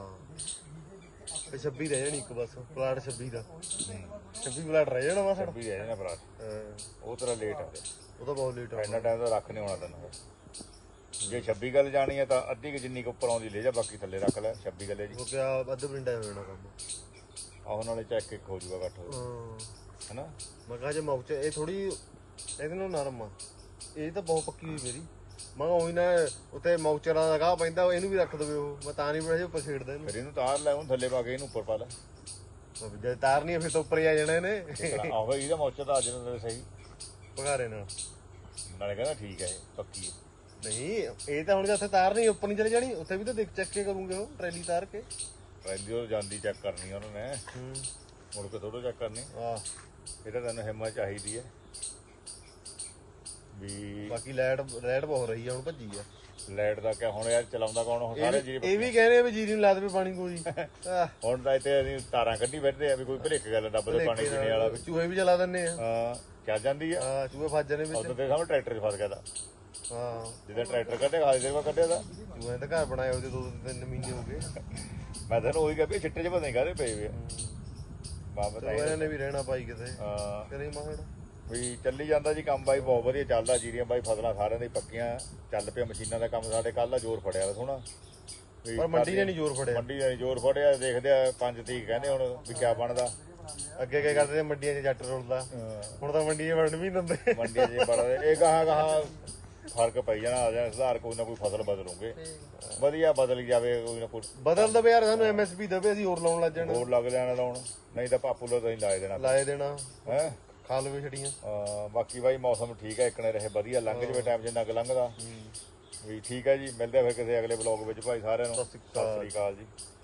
Speaker 1: ਤੇ 26 ਰਹਿ ਜਾਣੀ ਇੱਕ ਬਸ ਪਲਾਟ 26 ਦਾ 26 ਪਲਾਟ ਰਹਿ ਜਾਣਾ ਵਾ ਸਾਡਾ
Speaker 2: ਵੀ ਰਹਿ ਜਾਣਾ ਭਰਾ ਉਹ ਤੇਰਾ ਲੇਟ ਆ
Speaker 1: ਉਹ ਤਾਂ ਬਹੁਤ ਲੇਟ ਆ
Speaker 2: ਇੰਨਾ ਟਾਈਮ ਤਾਂ ਰੱਖ ਨਹੀਂ ਹੋਣਾ ਤੈਨੂੰ ਜੇ 26 ਗੱਲ ਜਾਣੀ ਹੈ ਤਾਂ ਅੱਧੀ ਕਿ ਜਿੰਨੀ ਕੁ ਉੱਪਰ ਆਉਂਦੀ ਲੈ ਜਾ ਬਾਕੀ ਥੱਲੇ ਰੱਖ ਲੈ 26 ਗੱਲੇ ਜੀ
Speaker 1: ਉਹ ਕਿਆ ਅੱਧ ਪਿੰਡਾ ਹੋ ਜਾਣਾ ਕੰਮ
Speaker 2: ਆਹ ਨਾਲੇ ਚੈੱਕ ਇੱਕ ਹੋ ਜਾਊਗਾ ਇਕੱਠ ਹੋ ਹੈਨਾ
Speaker 1: ਮੈਂ ਕਹਾਂ ਜੇ ਮੌਚ ਇਹ ਥੋੜੀ ਇਹਦੇ ਨਾਲ ਨਰਮ ਆ ਇਹ ਤਾਂ ਬਹੁਤ ਪੱਕੀ ਹੋਈ ਮੇਰੀ ਮੈਂ ਉਹੀ ਨਾ ਉੱਤੇ ਮੌਚਰਾਂ ਦਾ ਗਾਹ ਪੈਂਦਾ ਇਹਨੂੰ ਵੀ ਰੱਖ ਦਵੇ ਉਹ ਮੈਂ ਤਾਂ ਨਹੀਂ ਬੜਾ ਜਿਹਾ ਪਛੇੜਦਾ ਇਹਨੂੰ
Speaker 2: ਫਿਰ ਇਹਨੂੰ ਤਾਰ ਲੈ ਉਹਨੂੰ ਥੱਲੇ ਪਾ ਕੇ ਇਹਨੂੰ ਉੱਪਰ ਪਾ ਲੈ
Speaker 1: ਜੇ ਤਾਰ ਨਹੀਂ ਫਿਰ ਤਾਂ ਉੱਪਰ ਹੀ ਆ ਜਾਣਾ ਇਹਨੇ
Speaker 2: ਆਹੋ ਇਹਦਾ ਮੌਚਰ ਤਾਂ ਅੱਜ ਨੂੰ ਸਹੀ
Speaker 1: ਪਘਾਰੇ ਨਾਲ
Speaker 2: ਨਾਲੇ ਕਹਿੰਦਾ ਠੀਕ ਹੈ ਇਹ ਪੱਕੀ ਹੈ
Speaker 1: ਨਹੀਂ ਇਹ ਤਾਂ ਹੁਣ ਜੇ ਉੱਥੇ ਤਾਰ ਨਹੀਂ ਉੱਪਰ ਨਹੀਂ ਚਲੇ ਜਾਣੀ ਉੱਥੇ ਵੀ ਤਾਂ ਦੇਖ ਚੱਕ ਕੇ ਕਰੂੰਗੇ ਉਹ ਟਰੈਲੀ ਤਾਰ ਕੇ
Speaker 2: ਪਹਿਲੀ ਉਹ ਜਾਂਦੀ ਚੈੱਕ ਕਰਨੀ ਉਹਨਾਂ ਨੇ ਮੁੜ ਕੇ ਥੋੜੋ ਚੈੱਕ ਕਰਨੀ
Speaker 1: ਆਹ
Speaker 2: ਇਹ ਤਾਂ ਤੈਨੂੰ ਹਿੰਮਤ ਚਾਹੀਦੀ ਹੈ ਵੀ
Speaker 1: ਬਾਕੀ ਲਾਈਟ ਬਹੁਤ ਰਹੀ ਆ ਹੁਣ ਭੱਜੀ ਆ
Speaker 2: ਲਾਈਟ ਦਾ ਕਿਆ ਹੁਣ ਯਾਰ ਚਲਾਉਂਦਾ ਕੌਣ ਹੁਣ ਸਾਰੇ ਜੀ
Speaker 1: ਇਹ ਵੀ ਕਹਿੰਦੇ ਆ ਵੀ ਜੀਰੀ ਨੂੰ ਲਾ ਦੇਵੇ ਪਾਣੀ ਕੋਈ
Speaker 2: ਹੁਣ ਤਾਂ ਇੱਥੇ ਅਸੀਂ ਤਾਰਾਂ ਕੱਢੀ ਬੈਠਦੇ ਆ ਵੀ ਕੋਈ ਭਲੇਖ ਗੱਲ ਡੱਬ ਦੇ ਪਾਣੀ ਪੀਣੇ ਵਾਲਾ ਵੀ
Speaker 1: ਚੂਹੇ ਵੀ ਚਲਾ ਦਿੰਨੇ ਆ
Speaker 2: ਹਾਂ ਚੱਲ ਜਾਂਦੀ ਆ
Speaker 1: ਹਾਂ ਚੂਹੇ ਫਸ ਜਾਣੇ ਵਿੱਚ
Speaker 2: ਉਦੋਂ ਤੇ ਸਾਹਮਣੇ ਟਰੈਕਟਰ 'ਚ ਫਸ ਗਿਆ ਤਾਂ
Speaker 1: ਹਾਂ
Speaker 2: ਜਿੱਦਾਂ ਟਰੈਕਟਰ ਕੱਢੇ ਖਾਲੀ ਦੇਰ ਬਾਅਦ ਕੱਢਿਆ ਤਾਂ
Speaker 1: ਚੂਹੇ ਤਾਂ ਘਰ ਬਣਾਏ ਉਹਦੇ 2-3 ਮਹੀਨੇ ਹੋ ਗਏ
Speaker 2: ਮੈਂ ਤੈਨੂੰ ਉਹੀ ਕਿਹਾ ਵੀ ਛਿੱਟੇ 'ਚ ਪਤਾ ਨਹੀਂ ਕਾਹਦੇ ਪਏ ਵੇ ਬਾਬਾ
Speaker 1: ਚਲੋ ਇਹਨਾਂ ਨੇ ਵੀ ਰਹਿਣਾ ਬਾਈ ਕਿਤੇ
Speaker 2: ਹਾਂ
Speaker 1: ਕਰੇ ਮਾਹੜ
Speaker 2: ਵੀ ਚੱਲੀ ਜਾਂਦਾ ਜੀ ਕੰਮ ਬਾਈ ਬਹੁਤ ਵਧੀਆ ਚੱਲਦਾ ਜੀਰੀਆਂ ਬਾਈ ਫਸਲਾਂ ਸਾਰਿਆਂ ਦੀ ਪੱਕੀਆਂ ਚੱਲ ਪਿਆ ਮਸ਼ੀਨਾਂ ਦਾ ਕੰਮ ਸਾਡੇ ਕੱਲ ਦਾ ਜ਼ੋਰ ਫੜਿਆ ਵਾ ਸੋਹਣਾ ਵੀ
Speaker 1: ਪਰ ਮੰਡੀ ਨੇ ਨਹੀਂ ਜ਼ੋਰ ਫੜਿਆ
Speaker 2: ਮੰਡੀ ਨੇ ਜ਼ੋਰ ਫੜਿਆ ਦੇਖਦੇ ਆ 5 ਤਰੀਕ ਕਹਿੰਦੇ ਹੁਣ ਵੀ ਕਿਆ ਬਣਦਾ
Speaker 1: ਅੱਗੇ ਕੀ ਕਰਦੇ ਮੰਡੀਆਂ 'ਚ ਜੱਟ ਰੁਲਦਾ ਹੁਣ ਤਾਂ ਮੰਡੀਆਂ ਵੜਨ ਵੀ ਨੀ ਦਿੰਦੇ
Speaker 2: ਮੰਡੀਆਂ 'ਚ ਬੜਾ ਇਹ ਗਾਹਾਂ ਫਰਕ ਪਈ ਜਾਣਾ ਆ ਜਾਣਾ ਸੁਧਾਰ ਕੋਈ ਨਾ ਕੋਈ ਫਸਲ ਬਦਲੂਗੇ ਵਧੀਆ ਬਦਲ ਜਾਵੇ ਕੋਈ ਨਾ ਕੋਈ
Speaker 1: ਬਦਲ ਦਵੇ ਯਾਰ ਸਾਨੂੰ ਐਮਐਸਪੀ ਦਵੇ ਅਸੀਂ ਹੋਰ ਲਾਉਣ ਲੱਗ ਜਾਣਾ
Speaker 2: ਹੋਰ ਲੱਗ ਜਾਣਾ ਲਾਉਣ ਨਹੀਂ ਤਾਂ ਪਾਪੂ ਲੋ ਤੁਸੀਂ ਲਾਏ ਦੇਣਾ
Speaker 1: ਲਾਏ ਦੇਣਾ
Speaker 2: ਹੈ
Speaker 1: ਖਾ ਲਵੇ ਛੜੀਆਂ
Speaker 2: ਬਾਕੀ ਬਾਈ ਮੌਸਮ ਠੀਕ ਹੈ ਇੱਕਣੇ ਰਹੇ ਵਧੀਆ ਲੰਘ ਜਵੇ ਟਾਈਮ ਜਿੰਨਾ ਕੁ ਲੰਘਦਾ ਵੀ ਠੀਕ ਹੈ ਜੀ ਮਿਲਦੇ ਆ ਫਿਰ ਕਿਸੇ ਅਗਲੇ ਬਲੌਗ ਵਿੱਚ ਭਾਈ ਸਾਰਿਆਂ ਨੂੰ ਸਤਿ ਸ੍ਰੀ ਅਕਾਲ ਜੀ